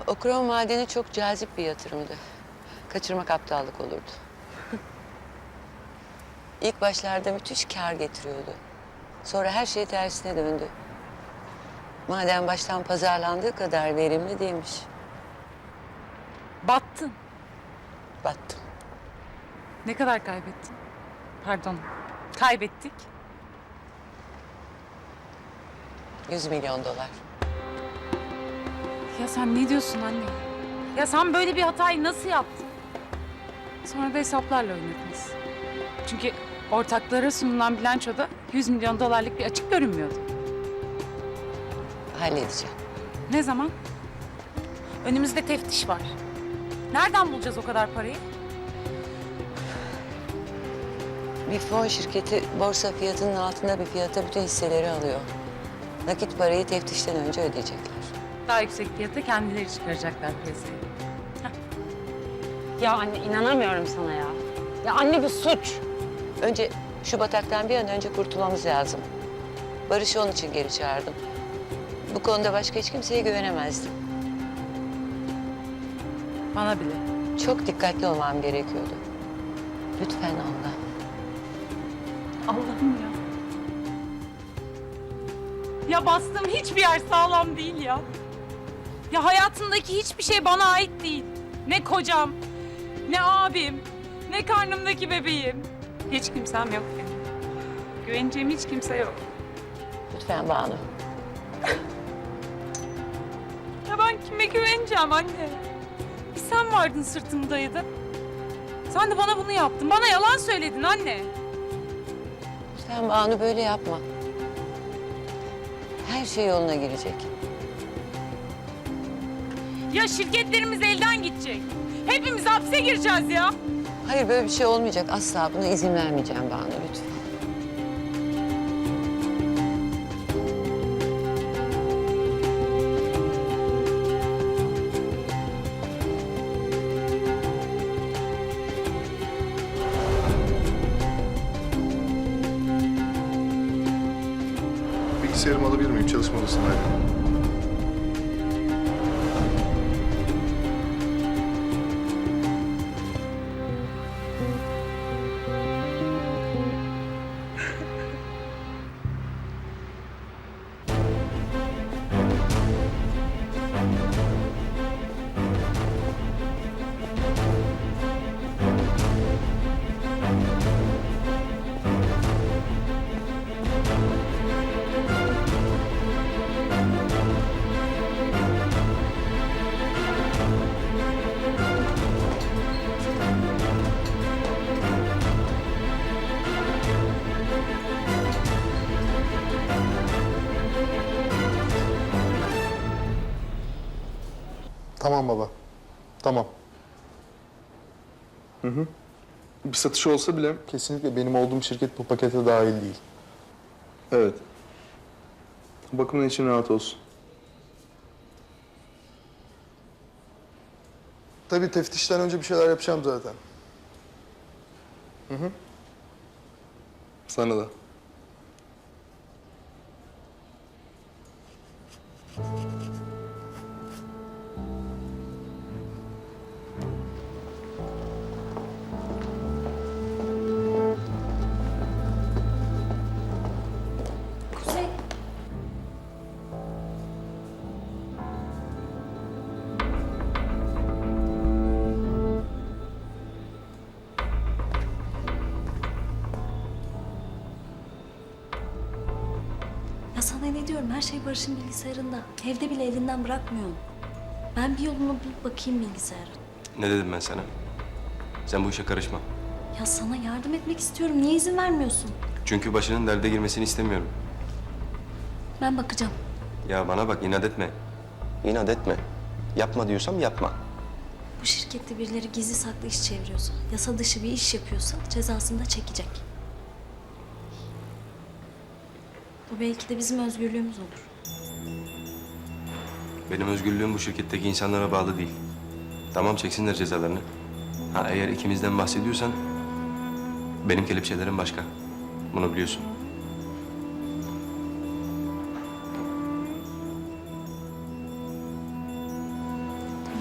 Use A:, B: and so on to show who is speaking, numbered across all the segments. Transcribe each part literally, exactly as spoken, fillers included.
A: O krom madeni çok cazip bir yatırımdı. Kaçırmak aptallık olurdu. İlk başlarda müthiş kâr getiriyordu. Sonra her şey tersine döndü. Maden baştan pazarlandığı kadar verimli değilmiş.
B: Battın.
A: Battım.
B: Ne kadar kaybettin? Pardon. Kaybettik.
A: Yüz milyon dolar.
B: Ya sen ne diyorsun anne? Ya sen böyle bir hatayı nasıl yaptın? Sonra da hesaplarla oynadınız. Çünkü ortaklara sunulan bilançoda yüz milyon dolarlık bir açık görünmüyordu.
A: Halledeceğim.
B: Ne zaman? Önümüzde teftiş var. Nereden bulacağız o kadar parayı?
A: Bir fon şirketi borsa fiyatının altında bir fiyata bütün hisseleri alıyor. Nakit parayı teftişten önce ödeyecekler.
B: Daha yüksek fiyata kendileri çıkaracaklar piyasaya.
C: Ya anne inanamıyorum sana ya. Ya anne bu suç.
A: Önce şu bataktan bir an önce kurtulmamız lazım. Barış'ı onun için geri çağırdım. Bu konuda başka hiç kimseye güvenemezdim.
B: Bana bile.
A: Çok dikkatli olmam gerekiyordu. Lütfen Allah.
B: Allah'ım ya. Ya bastığım hiçbir yer sağlam değil ya. Ya hayatımdaki hiçbir şey bana ait değil. Ne kocam, ne abim, ne karnımdaki bebeğim. Hiç kimsem yok benim. Güveneceğim hiç kimse yok.
A: Lütfen Banu.
B: Ya ben kime güveneceğim anne? Bir sen vardın sırtımı dayadın. Sen de bana bunu yaptın. Bana yalan söyledin anne.
A: Lütfen Banu böyle yapma. Her şey yoluna girecek.
B: Ya şirketlerimiz elden gidecek. Hepimiz hapse gireceğiz ya.
A: Hayır böyle bir şey olmayacak. Asla buna izin vermeyeceğim Banu lütfen.
D: Bilgisayarımı alabilir miyim? Çalışma odasındayım. Tamam baba. Tamam. Hı hı. Bir satış olsa bile kesinlikle benim olduğum şirket bu pakete dahil değil. Evet. Bu bakımdan için rahat olsun. Tabii teftişten önce bir şeyler yapacağım zaten. Hı hı. Sana da.
E: Kuzey. Ya sana ne diyorum? Her şey Barış'ın bilgisayarında. Evde bile elinden bırakmıyorum. Ben bir yolunu bulup bakayım bilgisayara.
F: Ne dedim ben sana? Sen bu işe karışma.
E: Ya sana yardım etmek istiyorum. Niye izin vermiyorsun?
F: Çünkü başının derde girmesini istemiyorum.
E: Ben bakacağım.
F: Ya bana bak, inat etme. İnat etme. Yapma diyorsam yapma.
E: Bu şirkette birileri gizli saklı iş çeviriyorsa, yasa dışı bir iş yapıyorsa cezasını da çekecek. Bu belki de bizim özgürlüğümüz olur.
F: Benim özgürlüğüm bu şirketteki insanlara bağlı değil. Tamam, çeksinler cezalarını. Ha, eğer ikimizden bahsediyorsan benim kelepçelerim başka. Bunu biliyorsun.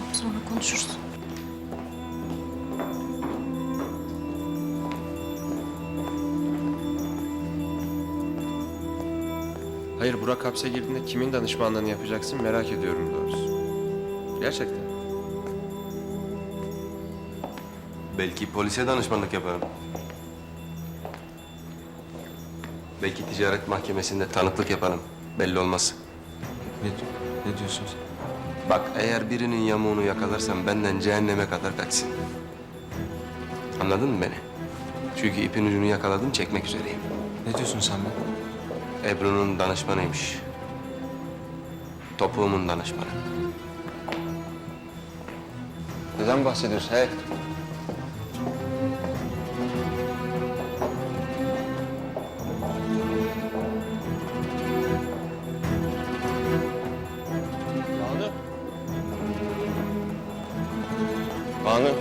E: Sonra konuşuruz.
G: Hayır, Burak hapse girdiğinde kimin danışmanlığını yapacaksın merak ediyorum doğrusu. Gerçekten.
F: Belki polise danışmanlık yaparım. Belki ticaret mahkemesinde tanıklık yaparım. Belli olmaz.
G: Ne, ne diyorsun sen?
F: Bak eğer birinin yamuğunu yakalarsam benden cehenneme kadar kaçsın. Anladın mı beni? Çünkü ipin ucunu yakaladım, çekmek üzereyim.
G: Ne diyorsun sen be?
F: Ebru'nun danışmanıymış. Topuğumun danışmanı. Neden bahsediyorsun he?
G: Banu. Banu.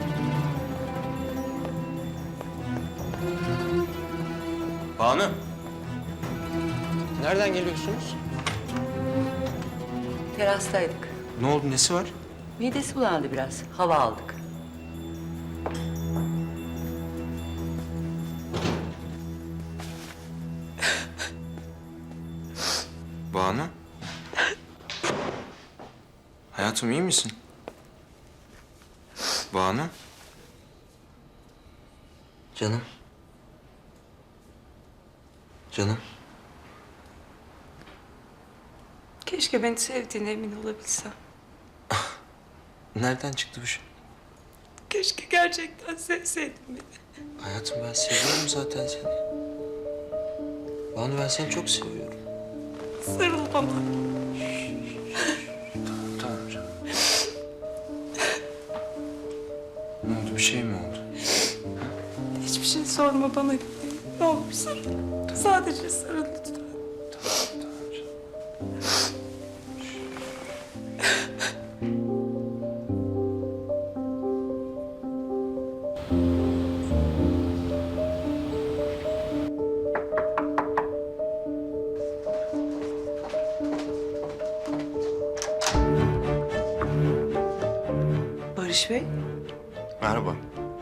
G: Banu. Nereden geliyorsunuz?
A: Terastaydık.
G: Ne oldu, nesi var?
A: Midesi bulandı biraz. Hava aldık.
G: Banu. Hayatım iyi misin? Banu. Canım. Canım.
B: Keşke beni sevdiğine emin olabilsem.
G: Nereden çıktı bu şey?
B: Keşke gerçekten sevseydin beni.
G: Hayatım ben seviyorum zaten seni. Banu ben seni çok seviyorum.
B: Sarıl bana.
G: Tamam canım. Ne oldu, bir şey mi oldu?
B: Hiçbir şey sorma bana. Ne olur sarıl. Sadece sarıl lütfen.
G: Tamam canım.
H: Barış Bey,
D: Merhaba.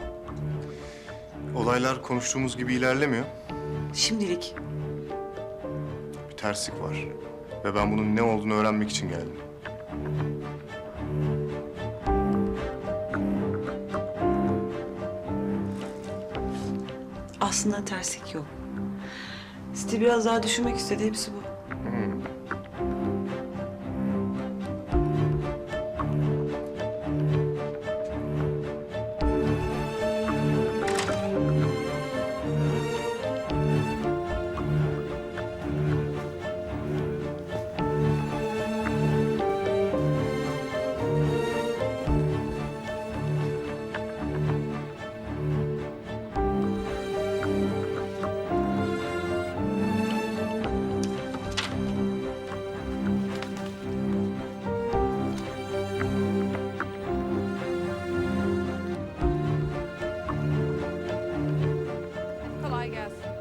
D: Olaylar konuştuğumuz gibi ilerlemiyor.
H: şimdilik
D: Bir terslik var. Ve ben bunun ne olduğunu öğrenmek için geldim.
H: aslında terslik yok. Stil biraz daha düşünmek istedi, hepsi bu.
B: Kolay gelsin.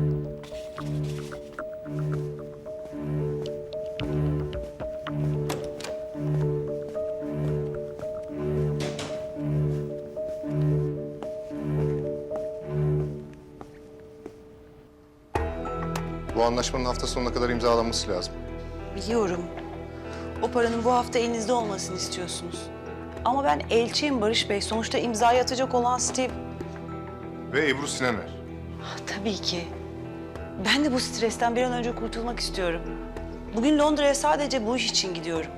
D: Bu anlaşmanın hafta sonuna kadar imzalanması lazım.
H: Biliyorum. O paranın bu hafta elinizde olmasını istiyorsunuz. Ama ben elçiyim Barış Bey. Sonuçta imzayı atacak olan Steve.
D: Ve Ebru Sinaner.
H: Tabii ki. Ben de bu stresten bir an önce kurtulmak istiyorum. Bugün Londra'ya sadece bu iş için gidiyorum.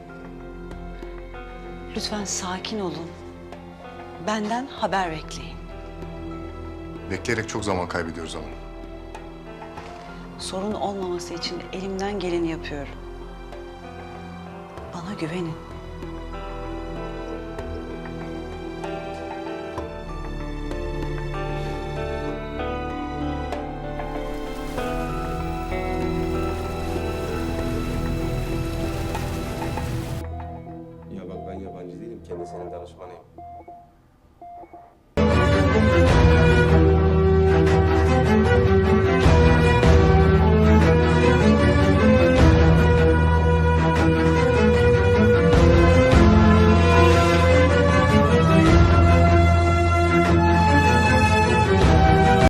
H: Lütfen sakin olun. Benden haber bekleyin.
D: Bekleyerek çok zaman kaybediyoruz ama.
H: Sorun olmaması için elimden geleni yapıyorum. Bana güvenin.
F: Ya bak ben yabancı değilim. Kendisinin danışmanıyım.